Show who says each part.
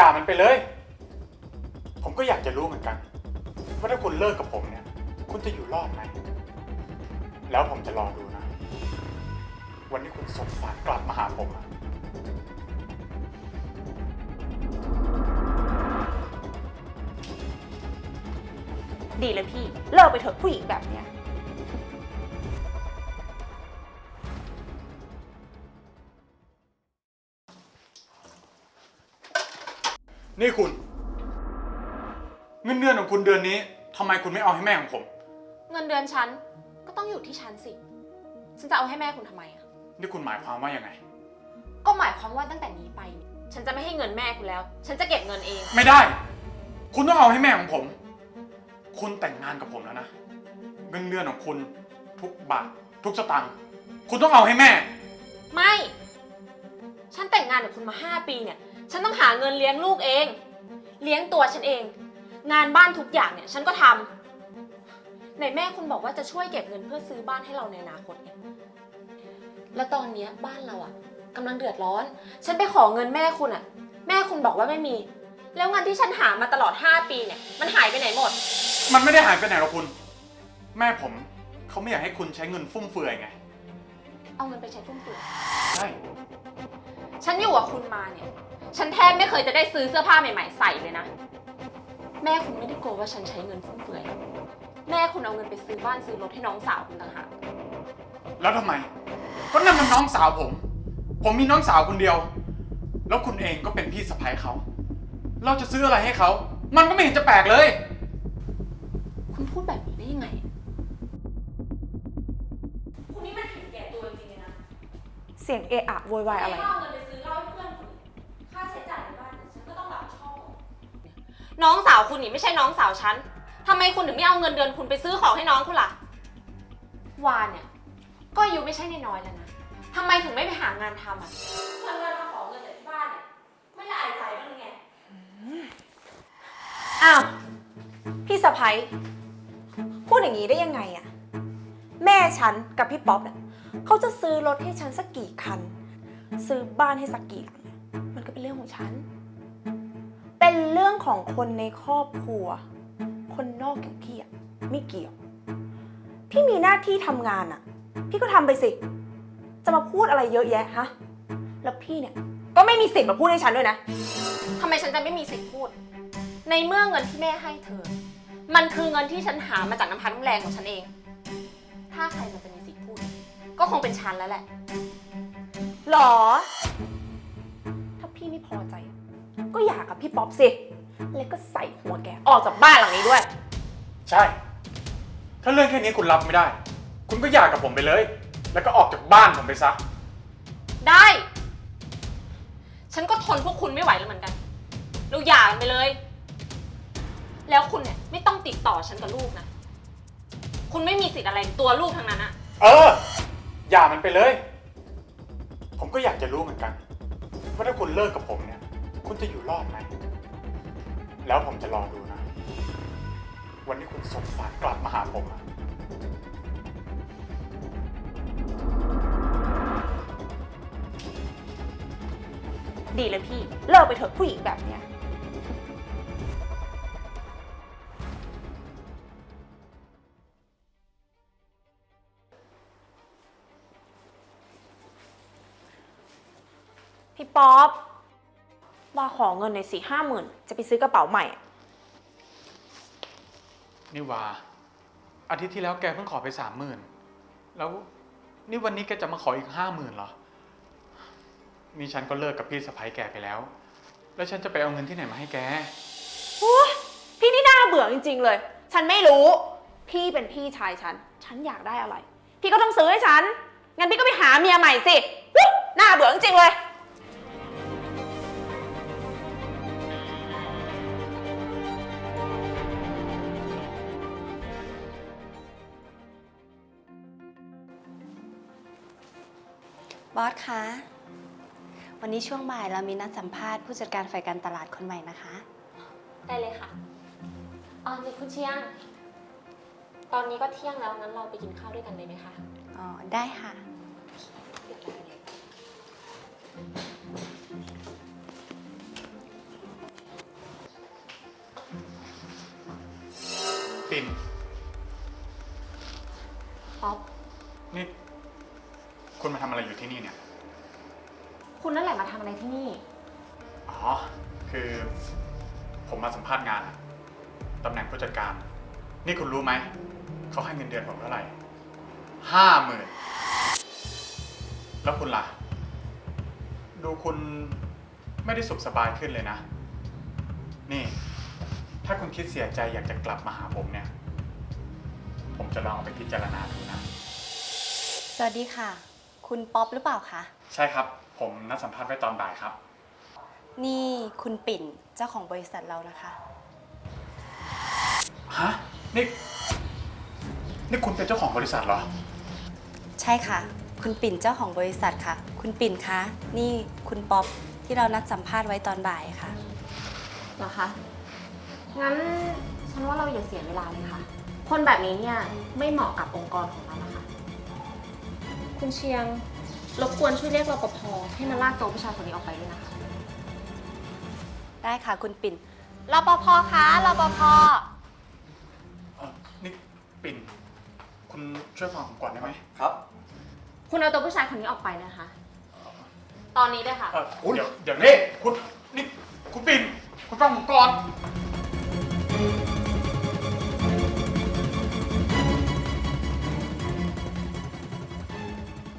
Speaker 1: มันไปเลย ผมก็อยากจะรู้เหมือนกันว่าถ้าคุณเลิกกับผมเนี่ย คุณจะอยู่รอดไหม แล้วผมจะรอดูนะ วันที่คุณส่งสารกลับมาหาผมอะ
Speaker 2: ดีเลยพี่เลิกไปเถอะผู้หญิงแบบเนี้ย
Speaker 1: นี่คุณ เงินเดือนของคุณเดือนนี้ทำไมคุณไม่เอาให้แม่ของผม
Speaker 2: เงินเดือนฉันก็ต้องอยู่ที่ฉันสิฉันจะเอาให้แม่คุณทำไมอะ
Speaker 1: นี่คุณหมายความว่ายังไง
Speaker 2: ก็หมายความว่าตั้งแต่นี้ไปเนี่ยฉันจะไม่ให้เงินแม่คุณแล้ว ฉันจะเก็บเงินเอง
Speaker 1: ไม่ได้ คุณต้องเอาให้แม่ของผม คุณแต่งงานกับผมแล้วนะ เงินเดือนของคุณทุกบาททุกสตางค์คุณต้องเอาให้แม่
Speaker 2: ไม่ ฉันแต่งงานกับคุณมา5 ปีเนี่ย ฉันต้องหาเงินเลี้ยงลูกเอง เลี้ยงตัวฉันเอง งานบ้านทุกอย่างเนี่ยฉันก็ทำไหนแม่คุณบอกว่าจะช่วยเก็บเงินเพื่อซื้อบ้านให้เราในอนาคตเนี่ยแล้วตอนเนี้ยบ้านเราอะกำลังเดือดร้อน ฉันไปขอเงินแม่คุณอะแม่คุณบอกว่าไม่มี แล้วเงินที่ฉันหามาตลอด5 ปีเนี่ยมันหายไปไหนหมด
Speaker 1: มันไม่ได้หายไปไหนหรอกคุณ แม่ผมเขาไม่อยากให้คุณใช้เงินฟุ่มเฟือยไง
Speaker 2: เอาเงินไปใช้ฟุ่มเฟือย
Speaker 1: ใช่
Speaker 2: ฉันอยู่กับคุณมาเนี่ย ฉันแทบไม่เคยจะได้ซื้อเสื้อผ้าใหม่ๆใส่เลยนะ แม่คุณไม่ได้กลัวว่าฉันใช้เงินฟุ่มเฟือย แม่คุณเอาเงินไปซื้อบ้านซื้อรถให้น้องสาวคุณต่างหาก
Speaker 1: แล้วทำไม ก็นั่นมันน้องสาวผม ผมมีน้องสาวคนเดียว แล้วคุณเองก็เป็นพี่สะใภ้เขา เราจะซื้ออะไรให้เขา มันก็ไม่เห็นจะแปลกเลย
Speaker 2: คุณพูดแบบนี้ได้ยังไง คุณนี่มันผิดแก่ตัวจริงๆนะ
Speaker 3: เสียงเอะอะโวยวายอะไร
Speaker 2: เอาเงินไปซื้อเหล้าให้เพื่อนคุณค่าใช้จ่ายในบ้านเนี่ยฉันก็ต้องรับผิดชอบน้องสาวคุณนี่ไม่ใช่น้องสาวฉันทำไมคุณถึงไม่เอาเงินเดือนคุณไปซื้อของให้น้องคุณล่ะ วานเนี่ย ก็อายุไม่ใช่น้อยๆแล้วนะทำไมถึงไม่ไปหางานทำอ่ะเงินมาขอเงินจากที่บ้านเนี่ยไม่ละอายใจบ้างหรือไง
Speaker 3: อ้าว พี่สะพ้ยพูดอย่างนี้ได้ยังไงอะแม่ฉันกับพี่ป๊อปเนี่ยเขาจะซื้อรถให้ฉันสักกี่คัน ซื้อบ้านให้สักกี่หลังเนี่ยมันก็เป็นเรื่องของฉัน เป็นเรื่องของคนในครอบครัว คนนอกอย่างพี่อะไม่เกี่ยว พี่มีหน้าที่ทำงานอะพี่ก็ทำไปสิ จะมาพูดอะไรเยอะแยะฮะ แล้วพี่เนี่ยก็ไม่มีสิทธิ์มาพูดให้ฉันด้วยนะ
Speaker 2: ทำไมฉันจะไม่มีสิทธิ์พูด ในเมื่อเงินที่แม่ให้เธอ มันคือเงินที่ฉันหามาจากน้ำพักน้ำแรงของฉันเอง ถ้าใครมันจะมีสิทธิ์พูด ก็คงเป็นฉันแล้วแหละ
Speaker 3: หรอ ถ้าพี่ไม่พอใจ ก็หย่ากับพี่ป๊อปสิ แล้วก็ใส่หัวแกออกจากบ้านหลังนี้ด้วย
Speaker 1: ใช่ ถ้าเรื่องแค่นี้คุณรับไม่ได้ คุณก็หย่ากับผมไปเลย แล้วก็ออกจากบ้านผมไปซะ
Speaker 2: ได้ ฉันก็ทนพวกคุณไม่ไหวแล้วเหมือนกัน เราหย่ากันไปเลย แล้วคุณเนี่ยไม่ต้องติดต่อฉันกับลูกนะ คุณไม่มีสิทธิ์อะไรในตัวลูกทั้งนั้นอะ
Speaker 1: เออ หย่ามันไปเลย ผมก็อยากจะรู้เหมือนกันว่าถ้าคุณเลิกกับผมเนี่ย คุณจะอยู่รอดไหม แล้วผมจะรอดูนะ วันที่คุณส่งสารกลับมาหาผมอะ
Speaker 3: ดีเลยพี่ เลิกไปเถอะผู้หญิงแบบเนี้ย พี่ป๊อปว่าขอเงินหน่อยสิ50,000จะไปซื้อกระเป๋าใหม่
Speaker 1: นี่วาอาทิตย์ที่แล้วแกเพิ่งขอไป30,000แล้วนี่วันนี้แกจะมาขออีก50,000เหรอ นี่ฉันก็เลิกกับพี่สะใภ้แกไปแล้ว แล้วฉันจะไปเอาเงินที่ไหนมาให้แก
Speaker 3: พี่นี่น่าเบื่อจริงๆเลย ฉันไม่รู้ พี่เป็นพี่ชายฉัน ฉันอยากได้อะไร พี่ก็ต้องซื้อให้ฉัน งั้นพี่ก็ไปหาเมียใหม่สิน่าเบื่อจริงๆเลย
Speaker 4: บอสคะ วันนี้ช่วงบ่ายเรามีนัดสัมภาษณ์ผู้จัดการฝ่ายการตลาดคนใหม่นะคะ
Speaker 2: ได้เลยค่ะนี่คุณเชียง ตอนนี้ก็เที่ยงแล้ว งั้นเราไปกินข้าวด้วยกันเลยไหมคะ
Speaker 4: อ๋อ ได้ค่ะ
Speaker 2: ค
Speaker 1: ปิ่น
Speaker 2: ป๊อป
Speaker 1: นี่ คุณมาทำอะไรอยู่ที่นี่เนี่ย
Speaker 2: คุณนั่นแหละมาทำอะไรที่นี่
Speaker 1: อ๋อ คือ ผมมาสัมภาษณ์งานอะตำแหน่งผู้จัดการ นี่คุณรู้ไหม เขาให้เงินเดือนผมเท่าไหร่50,000แล้วคุณล่ะ ดูคุณไม่ได้สุขสบายขึ้นเลยนะ นี่ ถ้าคุณคิดเสียใจอยากจะกลับมาหาผมเนี่ย ผมจะลองเอาไปพิจารณาดูนะ
Speaker 4: สวัสดีค่ะ คุณป๊อปหรือเปล่าคะ
Speaker 1: ใช่ครับ ผมนัดสัมภาษณ์ไว้ตอนบ่ายครับ
Speaker 4: นี่คุณปิ่นเจ้าของบริษัทเรานะคะ
Speaker 1: ฮะ นี่คุณเป็นเจ้าของบริษัทเหรอ
Speaker 4: ใช่ค่ะ คุณปิ่นเจ้าของบริษัทค่ะ คุณปิ่นคะ นี่คุณป๊อปที่เรานัดสัมภาษณ์ไว้ตอนบ่ายค่ะ
Speaker 2: เหรอคะ งั้นฉันว่าเราอย่าเสียเวลาเลยค่ะ คนแบบนี้เนี่ยไม่เหมาะกับองค์กรของเรานะคะ คุณเชียงรบกวนช่วยเรียกรปภให้มาลากตัวผู้ชายคนนี้ออกไปด้วยนะคะ
Speaker 4: ได้ค่ะคุณปิ่นรปภคะรปภ
Speaker 1: นี่ปิ่น คุณช่วยฟังผมก่อนได้ไหม
Speaker 5: ครับ
Speaker 2: คุณเอาตัวผู้ชายคนนี้ออกไปนะคะ ตอนนี้เลยค่ะ
Speaker 1: เดี๋ยวนี่คุณปิ่น คุณฟังผมก่อน